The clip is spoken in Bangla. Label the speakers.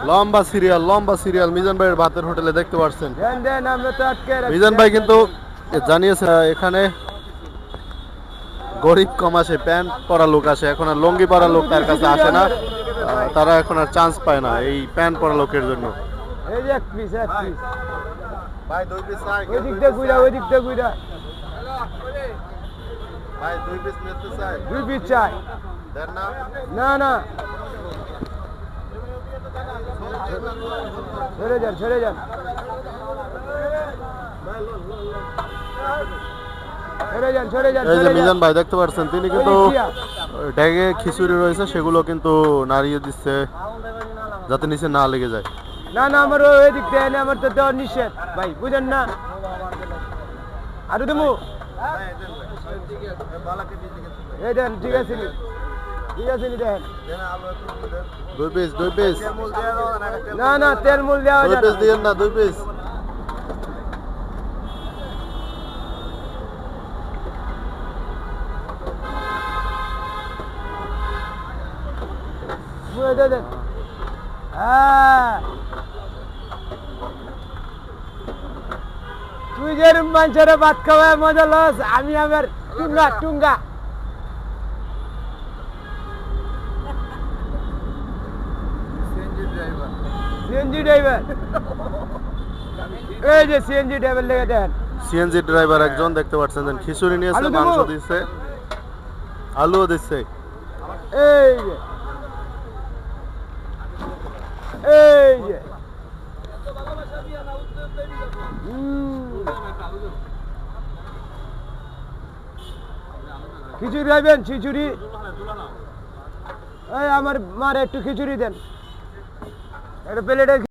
Speaker 1: লম্বা সিরিয়াল মিজান ভাইয়ের ভাতের হোটেলে দেখতে পাচ্ছেন। মিজান ভাই কিন্তু জানিয়েছে এখানে গরিব কম আসে, প্যান্ট পরা লোক আসে, এখন আর লঙ্গি পরা লোক তার কাছে আসে না। তারা এখন আর চান্স পায় না এই প্যান্ট পরা লোকের জন্য।
Speaker 2: এই যে এক পিস
Speaker 1: ভাই দুই পিস চাই,
Speaker 2: ওই দিকটা গুইরা
Speaker 1: ভাই দুই পিস নিতে চাই,
Speaker 2: দুই পিস চাই।
Speaker 1: দেন না।
Speaker 2: না সরে যান
Speaker 1: এই যে মিজান ভাই দেখতে পাচ্ছেন তিনি কিন্তু ড্যাগে খিচুড়ি রয়েছে সেগুলো কিন্তু নাড়িয়ে দিচ্ছে যাতে নিচে না লেগে যায়।
Speaker 2: না আমার ওই দিক দিয়ে এনে আমার তো দেওয়া নিষেধ ভাই, বুঝেন না। আরো দেবো এই দেন, ঠিক আছে নি দেন।
Speaker 1: দুই পিস
Speaker 2: না তেল মূল দেওয়া
Speaker 1: দুই পিস দিয়েন না, দুই পিস।
Speaker 2: দেন। হ্যাঁ তুই যেরকম মানুষের ভাত খাওয়ায় মজা লস, আমি আমার টুঙ্গা সিএনজি ড্রাইভার। এই যে সিএনজি ড্রাইভার লেগে দেন।
Speaker 1: সিএনজি ড্রাইভার একজন দেখতে পাচ্ছেন, খিচুড়ি নিয়েছে, মাংস দিচ্ছে, আলুও দিচ্ছে।
Speaker 2: এই যে খিচুড়ি খাইবেন? খিচুড়ি এই আমার মার একটু খিচুড়ি দেন, একটা প্লেটে।